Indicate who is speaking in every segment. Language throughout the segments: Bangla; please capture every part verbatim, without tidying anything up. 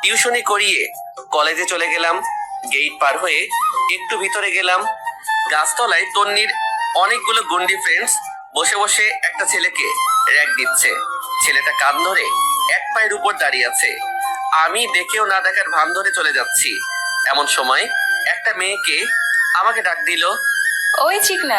Speaker 1: টিউশনি করিয়ে কলেজে চলে গেলাম। গেট পার হয়ে একটু ভিতরে গেলাম। গাছতলায় তন্নির অনেকগুলো গুন্ডি ফ্রেন্ডস বসে বসে একটা ছেলেকে র‍্যাক দিচ্ছে। ছেলেটা কান ধরে এক পায়ের উপর দাঁড়িয়ে আছে। আমি দেখেও না দেখার ভান ধরে চলে যাচ্ছি। এমন সময় একটা মেয়েকে আমাকে ডাক দিল।
Speaker 2: ওই চিকনা,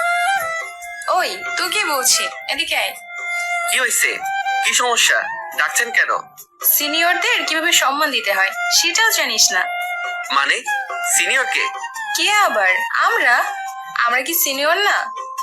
Speaker 2: ওই তুই কি বলছি, এদিকে আয়।
Speaker 1: কি হয়েছে? কি সমস্যা? ডাকছেন কেন?
Speaker 2: সিনিয়রদের কিভাবে সম্মান দিতে হয় সেটাও জানিস না?
Speaker 1: মানে সিনিয়র কে?
Speaker 2: কে আবার? আমরা আমরা কি সিনিয়র না?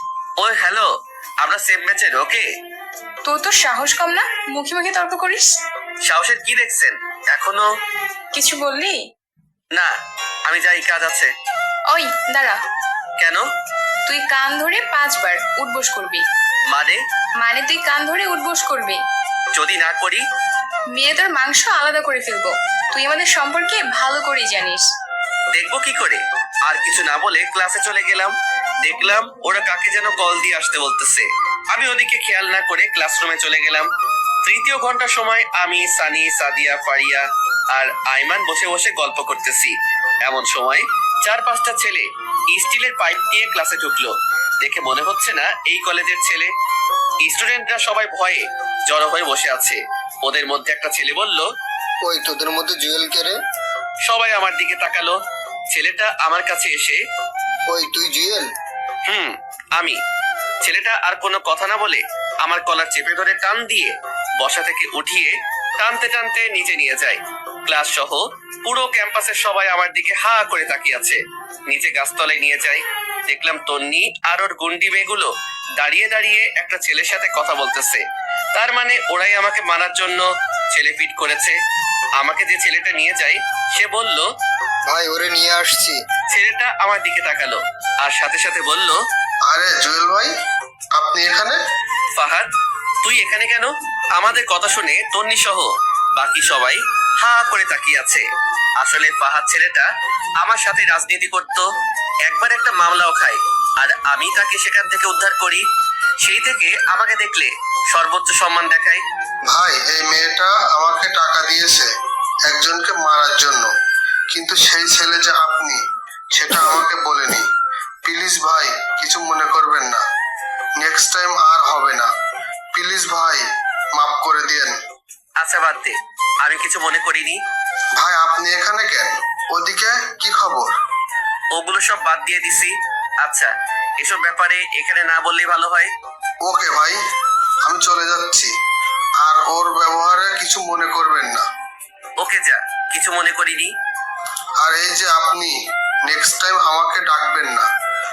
Speaker 1: ওই হ্যালো, আমরা সেম ব্যাচের। ওকে,
Speaker 2: তোর তো সাহস কম না, মুখে মুখে তর্ক করিস।
Speaker 1: সাহসের কি দেখছেন এখনো?
Speaker 2: কিছু বললি?
Speaker 1: না, আমি যাই, কাজ আছে।
Speaker 2: ওই দাঁড়া।
Speaker 1: কেন?
Speaker 2: তুই কান ধরে পাঁচবার উঠবোস করবি।
Speaker 1: মানে?
Speaker 2: মানে তুই কান ধরে উঠবোস করবি।
Speaker 1: যদি না করি?
Speaker 2: মেয়ে তোর মাংস আলাদা করে ফেলবো। তুই আমাদের সম্পর্কে ভালো করেই জানিস।
Speaker 1: দেখবো কি করে? আর কিছু না বলে ক্লাসে চলে গেলাম। দেখলাম ওরা কাকে যেন কল দিয়ে আসতে বলতেছে। আমি ওদিকে খেয়াল না করে ক্লাসরুমে চলে গেলাম। তৃতীয় ঘন্টার সময় আমি, সানি, সাদিয়া, ফারিয়া আর আইমান বসে বসে গল্প করতেছি। এমন সময় চার পাঁচটা ছেলে স্টিলের পাইপ দিয়ে ক্লাসে ঢুকলো। দেখে মনে হচ্ছে না এই কলেজের ছেলে। স্টুডেন্টরা সবাই ভয়ে জড়ো হয়ে বসে আছে। ওদের মধ্যে একটা ছেলে বলল,
Speaker 3: ওই তোদের মধ্যে জুয়েল কে রে?
Speaker 1: সবাই আমার দিকে তাকালো। ছেলেটা আমার কাছে এসে,
Speaker 3: ওই তুই জুয়েল?
Speaker 1: হুম, আমি। ছেলেটা আর কোনো কথা না বলে আমার কলার চেপে ধরে টান দিয়ে বসা থেকে উঠিয়ে টানতে টানতে নিচে নিয়ে যায়। ক্লাস সহ পুরো ক্যাম্পাসের সবাই আমার দিকে হা করে তাকিয়ে আছে। নিচে গাছতলায় নিয়ে যায়। দেখলাম তন্নি আর ওর গুন্ডি মেয়েগুলো দাঁড়িয়ে দাঁড়িয়ে একটা ছেলের সাথে কথা বলতেছে। তার মানে ওরাই আমাকে মারার জন্য ছেলে ফিট করেছে। আমাকে যে ছেলেটা নিয়ে যায় সে বলল,
Speaker 3: ভাই ওরে নিয়ে আসছি।
Speaker 1: ছেলেটা আমার দিকে তাকালো আর সাথে সাথে বলল,
Speaker 3: আরে জুয়েল ভাই, আপনি এখানে?
Speaker 1: ফাহাদ, তুই এখানে কেন? আমাদের কথা শুনে তন্নি সহ বাকি সবাই হা করে তাকিয়ে আছে। আসলে ফাহাদ ছেলেটা আমার সাথে রাজনীতি করত। একবার একটা মামলাও খায় আর আমি তাকে সেখান থেকে উদ্ধার করি। সেই থেকে আমাকে দেখলে সর্বোচ্চ সম্মান দেখায়।
Speaker 3: ভাই এই মেয়েটা আমাকে টাকা দিয়েছে একজনকে মারার জন্য, কিন্তু সেই ছেলে যে আপনি সেটা আমাকে বলেনি। প্লিজ ভাই কিছু মনে করবেন না, নেক্সট টাইম আর হবে না। প্লিজ ভাই মাফ করে দিয়েন।
Speaker 1: আচ্ছা বাদ দে, আমি কিছু মনে করিনি।
Speaker 3: ভাই আপনি এখানে কেন? ওদিকে কি খবর?
Speaker 1: ওগুলো সব বাদ দিয়ে দিছি। আচ্ছা, এসব ব্যাপারে এখানে না বললেই ভালো হয়।
Speaker 3: ওকে ভাই, আমি চলে যাচ্ছি, আর ওর ব্যবহারে কিছু মনে করবেন না।
Speaker 1: ওকে যা, কিছু মনে করিনি।
Speaker 3: আর এই যে আপনি নেক্সট টাইম আমাকে ডাকবেন না,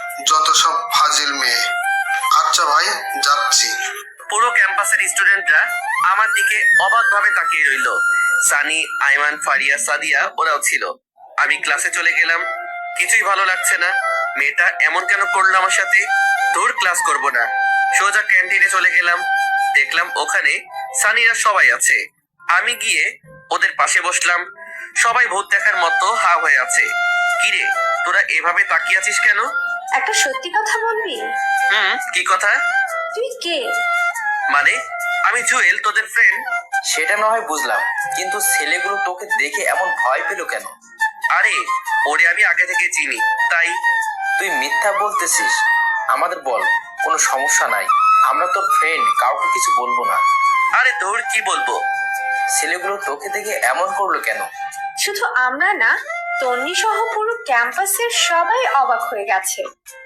Speaker 3: যত সব ফাজিল মেয়ে। আচ্ছা ভাই যাচ্ছি।
Speaker 1: পুরো ক্যাম্পাসের স্টুডেন্টরা আমার দিকে অবাক ভাবে তাকিয়ে রইল। সানি, আইমান, ফারিয়া, সাদিয়া ওরাও ছিল। আমি ক্লাসে চলে গেলাম। কিছুই ভালো লাগছে না। মেয়েটা এমন কেন করলো আমার সাথে? দূর, ক্লাস করব না। সোজা ক্যান্টিনে চলে গেলাম। দেখলাম ওখানে সানিরা সবাই আছে। আমি গিয়ে ওদের পাশে বসলাম। সবাই ভূত দেখার মতো হা হয়ে আছে। কিরে, তোরা এভাবে তাকিয়ে আছিস কেন?
Speaker 4: একটা সত্যি কথা বলবি?
Speaker 1: হুম, কি কথা?
Speaker 4: তুই কে?
Speaker 1: মানে আমি জুয়েল, তোদের ফ্রেন্ড।
Speaker 5: সেটা না হয় বুঝলাম, কিন্তু ছেলেগুলো তোকে দেখে এমন ভয় পেল কেন?
Speaker 1: আরে ওরে আমি আগে থেকে চিনি, তাই।
Speaker 5: তুই মিথ্যা বলতেছিস। আমাদের বল, কোনো সমস্যা নাই, আমরা তোর ফ্রেন্ড, কাউকে কিছু বলবো না।
Speaker 1: আরে ধুর, কি বলবো?
Speaker 5: ছেলেগুলো তোকে দেখে এমন করলো কেন?
Speaker 4: শুধু আমরা না, তন্নি সহ পুরো ক্যাম্পাসের সবাই অবাক হয়ে গেছে।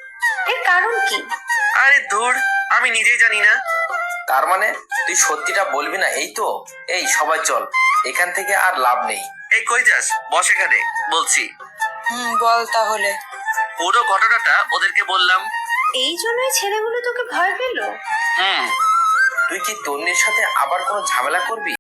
Speaker 4: এর কারণ কি?
Speaker 1: আরে ধুর, আমি নিজেই জানি না।
Speaker 5: তার মানে তুই সত্যিটা বলবি না, এই তো? এই সবাই চল, এখান থেকে আর লাভ নেই।
Speaker 1: এই কই যাস? বস এখানে, বলছি।
Speaker 2: হুম, বল তাহলে।
Speaker 1: পুরো ঘটনাটা ওদেরকে বললাম।
Speaker 4: এই জন্যই ছেলেগুলো তোকে ভয় পেল?
Speaker 1: হুম।
Speaker 5: তুই কি তন্নির সাথে আবার কোনো ঝামেলা করবি?